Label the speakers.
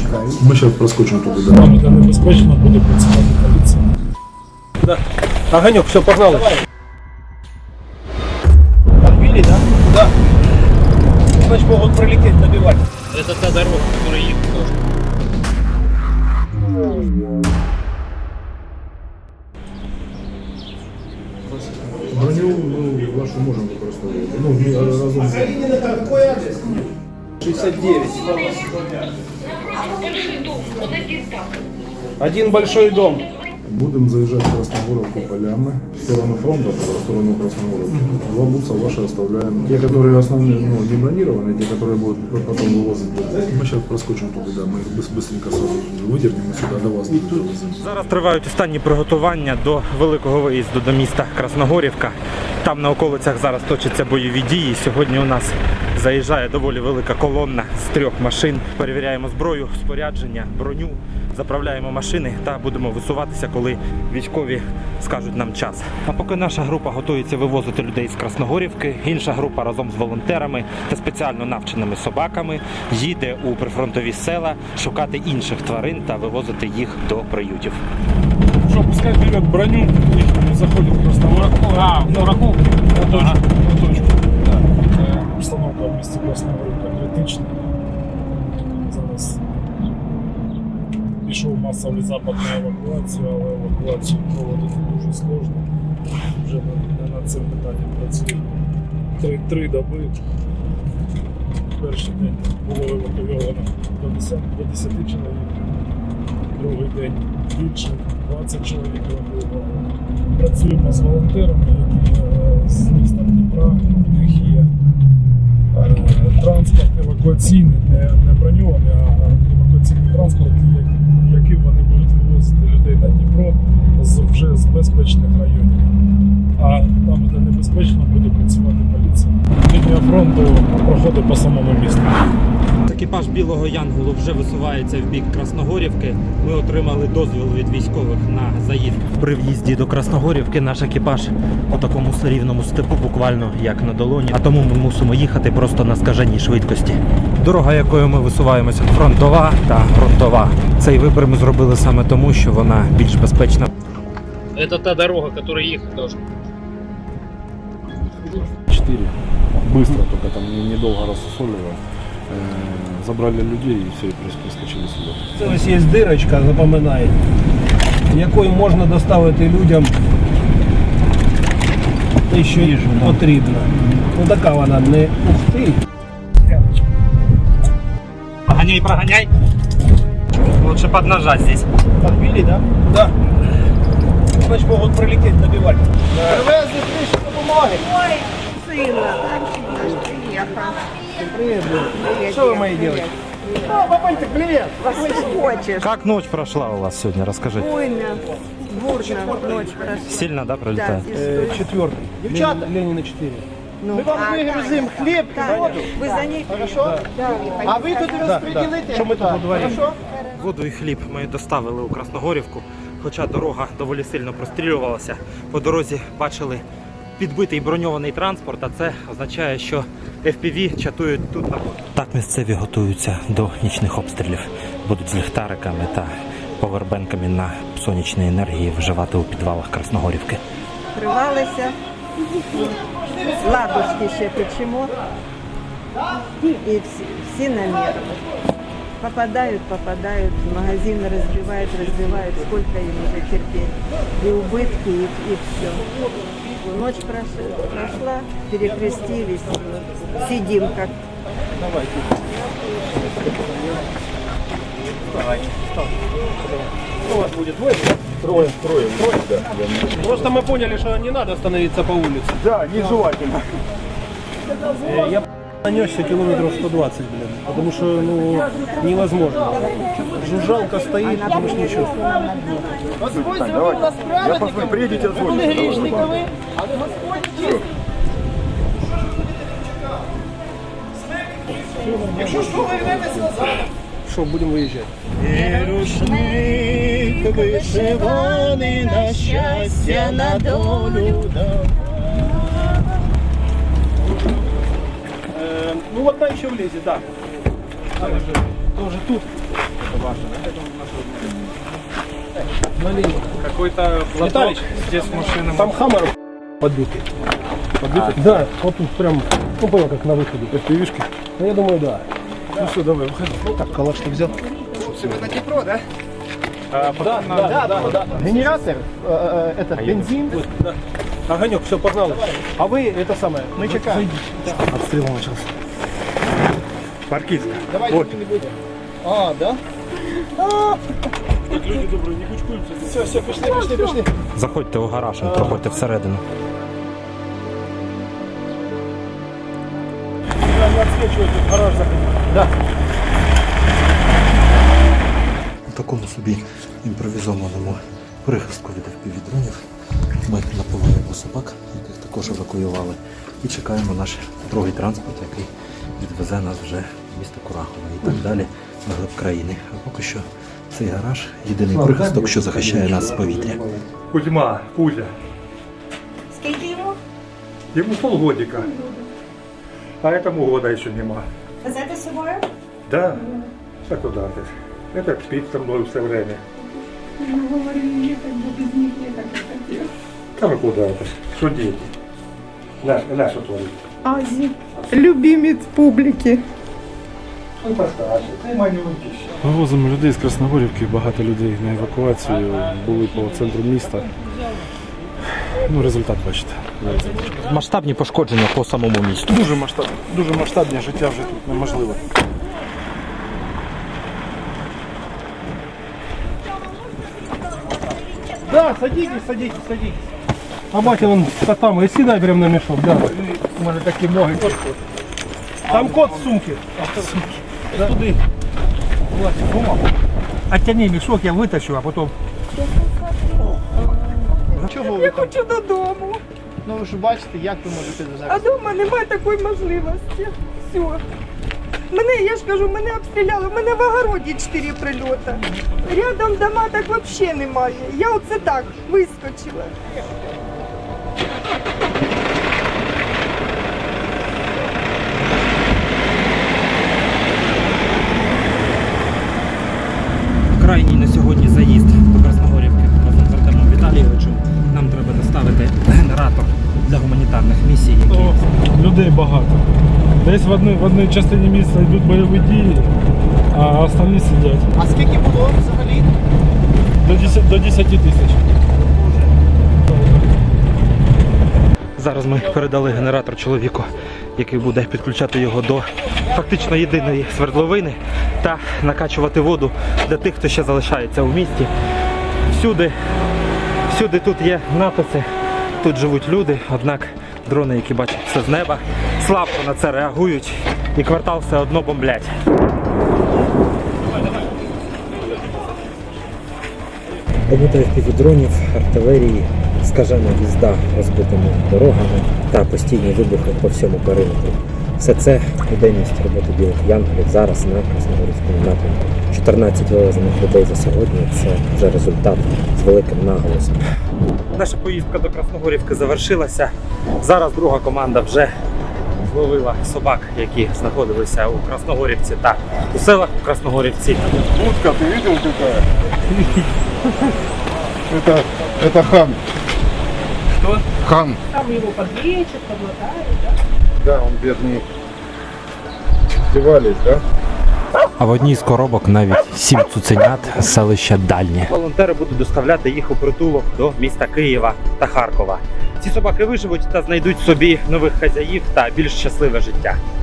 Speaker 1: Мы сейчас проскочим туда.
Speaker 2: Там это небезпечно, буде працювати поліція.
Speaker 3: Да. Огонек, все, погнали. Подбили, да? Да. Значит, могут пролететь, добивать.
Speaker 4: Это та дорога, которая их тоже.
Speaker 1: Броню вашу можем використовувати. Ми разом.
Speaker 3: Какой адрес? 69.
Speaker 5: Большой дом, он один так.
Speaker 3: Один большой дом.
Speaker 1: Будем заезжать в Красногоровку полями, в сторону фронта, в сторону Красногоровки. Два бутса ваши оставляем. Те, которые основные, не бронированные, те, которые будут потом вывозить. Мы сейчас проскочим туда, да, мы их быстренько сразу выдернем и сюда до вас довезем.
Speaker 6: Зараз тривають останні приготування до великого виїзду до міста Красногорівка. Там на околицях зараз точаться бойові дії. Сьогодні у нас заїжджає доволі велика колонна з 3 машин. Перевіряємо зброю, спорядження, броню, заправляємо машини та будемо висуватися, коли військові скажуть нам час. А поки наша група готується вивозити людей з Красногорівки, інша група разом з волонтерами та спеціально навченими собаками їде у прифронтові села шукати інших тварин та вивозити їх до приютів.
Speaker 2: Что, пускай берет броню, и заходит в Красногорівку. На точку. Да. Установка в місті Красногорівка критична. Зараз пішов масовий запит на евакуацію, але евакуацію проводити дуже сложно. Вже не над цим питанням працює. 3 доби. Перший день було евакуйовано до 10 чоловік. Другий день більше, 20 чоловік евакуювали. Працюємо з волонтерами, які з міста Дніпра, у них є транспорт евакуаційний, не броньований, а евакуаційний транспорт, яким вони будуть вивозити людей на Дніпро вже з безпечних районів. А там, де небезпечно, буде працювати поліція. Лінія фронту проходить по самому місту.
Speaker 6: Екіпаж Білого Янголу вже висувається в бік Красногорівки. Ми отримали дозвіл від військових на заїзд. При в'їзді до Красногорівки наш екіпаж у такому рівному степу, буквально як на долоні. А тому ми мусимо їхати просто на скаженій швидкості. Дорога, якою ми висуваємося, фронтова та ґрунтова. Цей вибір ми зробили саме тому, що вона більш безпечна.
Speaker 4: Это та дорога, которая их тоже.
Speaker 1: 4. Быстро, только там недолго рассусоливая. Забрали людей и все, и прискочили сюда.
Speaker 3: Це ось є дирочка, запам'ятайте, якою можна доставити людям те, що потрібно. Ну така вона не ух ти.
Speaker 6: Поганяй, проганяй. Лучше поднажать здесь.
Speaker 3: Подбили, да? Да. Значит, могут пролететь, добивать. Привезли трішки допомоги.
Speaker 7: Ой, сына, приехал.
Speaker 3: Привет, Блин. Что вы мои делаете? О, папанька, привет.
Speaker 7: Что хочешь?
Speaker 6: Как ночь прошла у вас сегодня? Расскажите.
Speaker 7: Буйно, бурно ночь прошла.
Speaker 6: Сильно, да, пролетает?
Speaker 7: Да, и
Speaker 3: Четвертый. Девчата? Ленина 4.
Speaker 7: ну,
Speaker 3: Мы вам выгрузим хлеб,
Speaker 7: да,
Speaker 3: воду.
Speaker 7: вы за ней
Speaker 3: Хорошо?
Speaker 7: Да.
Speaker 3: А вы тут распределите. Что мы тут удвоим? Хорошо?
Speaker 6: Воду і хліб ми доставили у Красногорівку, хоча дорога доволі сильно прострілювалася. По дорозі бачили підбитий броньований транспорт, а це означає, що FPV чатують тут на воду. Так місцеві готуються до нічних обстрілів. Будуть з ліхтариками та повербенками на сонячній енергії вживати у підвалах Красногорівки.
Speaker 7: Открывалась, ладушки ще печемо, и все на нервы. Попадают, в магазин разбивают, сколько им уже терпеть. И убытки, и все. Ночь прошла, перекрестились, сидим как.
Speaker 3: Что у вас будет? Двое? Трое, да. Просто мы поняли, что не надо становиться по улице.
Speaker 1: Да, нежелательно.
Speaker 3: Я нанесся километров 120, блин, потому что, невозможно. Жужжалка стоит, потому что ничего.
Speaker 1: Так, давайте. Я посмотрю, приедете, отзвоните. Что, будем выезжать?
Speaker 8: Рушник вишиваний на щастя, на долю дав.
Speaker 3: Ну, одна еще влезет, да. Тоже тут. Какой-то
Speaker 2: Виталич,
Speaker 3: здесь машина.
Speaker 2: там Хаммер подбитый. Подбитый? Да, вот тут прям, ну понял, как на выходе.
Speaker 1: FPV-шки?
Speaker 2: Ну, я думаю, да. Ну все, давай, выходи. Так, калаш ты взял? Да. Генератор, этот бензин. Да. Огонек, все, погнали. А вы это самое, мы чекаем.
Speaker 1: Обстрел начался.
Speaker 6: Паркістка.
Speaker 2: Давайте не будем. А, да?
Speaker 1: Люди добрые, не кучкуемся.
Speaker 2: Все, пошли.
Speaker 6: Заходьте у гараж, проходьте всередину.
Speaker 2: Не отсвечивайте, в гараж заходи. Да.
Speaker 5: У такому собі імпровізованому прихистку від FPV-дронів ми наповнюємо собак, яких також евакуювали, і чекаємо наш другий транспорт, який відвезе нас вже в місто Курахове і так далі на глиб країни. А поки що цей гараж єдиний прихисток, що захищає нас з повітря.
Speaker 6: Кузьма, Кузя.
Speaker 9: Скільки йому?
Speaker 6: Йому полгодика. А этому года еще нема.
Speaker 9: Везете з собою?
Speaker 6: Да? А куда ты? Этот спит со мной все время. Там и куда это? Что дети? Ля, что творит?
Speaker 7: Азі, любимець публіки.
Speaker 6: Он постарше, ты маленький.
Speaker 1: Вивозимо людей з Красногорівки, багато людей на евакуацію, були по центру міста. Ну, результат бачите.
Speaker 6: Масштабні пошкодження по самому місту.
Speaker 1: Дуже масштабне життя вже тут неможливо.
Speaker 2: Да, садитесь. А батя вон котам, и сідай прям на мешок, да. У мене такі ноги. Там кот в сумке. Да. Туди. Оттяни мешок, я витащу, а потім.
Speaker 8: Чого ви
Speaker 7: Я
Speaker 8: там?
Speaker 7: хочу додому.
Speaker 8: Ну ви ж бачите, як ви можете
Speaker 7: А
Speaker 8: зараз.
Speaker 7: вдома немає такої можливості. Все. Мене, я ж кажу, мене обстріляли, в мене в огороді 4 прильоти. Рядом дома так взагалі немає. Я оце так вискочила.
Speaker 6: Крайній на сьогодні заїзд до Красногорівки разом з Артемом Віталійовичем. Нам треба доставити генератор для гуманітарних місій, які
Speaker 2: Людей багато. Десь в одній частині міста йдуть бойові дії, а остальні сидять.
Speaker 8: А скільки було взагалі?
Speaker 2: До 10 тисяч.
Speaker 6: Зараз ми передали генератор чоловіку, який буде підключати його до фактично єдиної свердловини та накачувати воду для тих, хто ще залишається у місті. Всюди тут є написи, тут живуть люди, однак дрони, які бачать все з неба, слабко на це реагують і квартал все одно бомблять.
Speaker 5: Робота FPV-дронів, артилерії, скажена їзда розбитими дорогами та постійні вибухи по всьому периметру. Все це буденність роботи білих янголів зараз на Красногорівському напрямку. 14 вивезених людей за сьогодні – це вже результат з великим наголосом.
Speaker 6: Наша поїздка до Красногорівки завершилася. Зараз друга команда вже зловила собак, які знаходилися у Красногорівці та у селах у Красногорівці.
Speaker 1: Утка, ты видел какая? Это хан.
Speaker 3: Что?
Speaker 1: Хан.
Speaker 9: Там його подлечат, подмотають, да?
Speaker 1: Да, он бедный. Издевались, да?
Speaker 6: А в одній з коробок навіть 7 цуценят з селища Дальнє. Волонтери будуть доставляти їх у притулок до міста Києва та Харкова. Ці собаки виживуть та знайдуть собі нових хазяїв та більш щасливе життя.